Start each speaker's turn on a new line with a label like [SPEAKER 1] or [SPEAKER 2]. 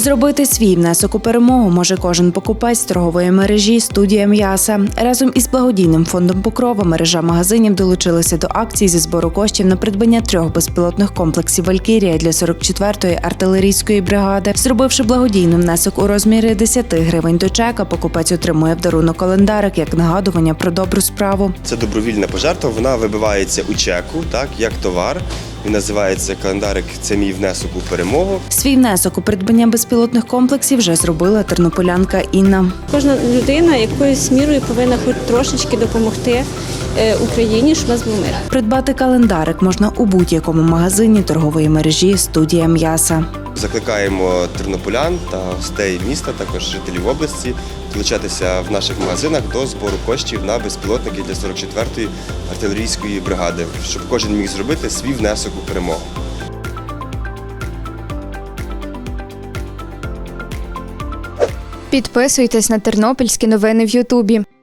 [SPEAKER 1] Зробити свій внесок у перемогу може кожен покупець торгової мережі «Студія м'яса». Разом із благодійним фондом «Покрова» мережа магазинів долучилася до акції зі збору коштів на придбання 3 безпілотних комплексів «Валькірія» для 44-ї артилерійської бригади. Зробивши благодійний внесок у розмірі 10 гривень до чека, покупець отримує в дарунок календарик як нагадування про добру справу.
[SPEAKER 2] Це добровільна пожертва, вона вибивається у чеку, так, як товар. Він називається календарик «Це мій внесок у перемогу».
[SPEAKER 1] Свій внесок у придбання безпілотних комплексів вже зробила тернополянка Інна.
[SPEAKER 3] Кожна людина якоюсь мірою повинна хоч трошечки допомогти Україні, щоб у нас був мир.
[SPEAKER 1] Придбати календарик можна у будь-якому магазині торгової мережі «Студія м'яса».
[SPEAKER 2] Закликаємо тернополян та гостей міста, також жителів області, долучатися в наших магазинах до збору коштів на безпілотники для 44-ї артилерійської бригади, щоб кожен міг зробити свій внесок у перемогу.
[SPEAKER 4] Підписуйтесь на тернопільські новини в Ютубі.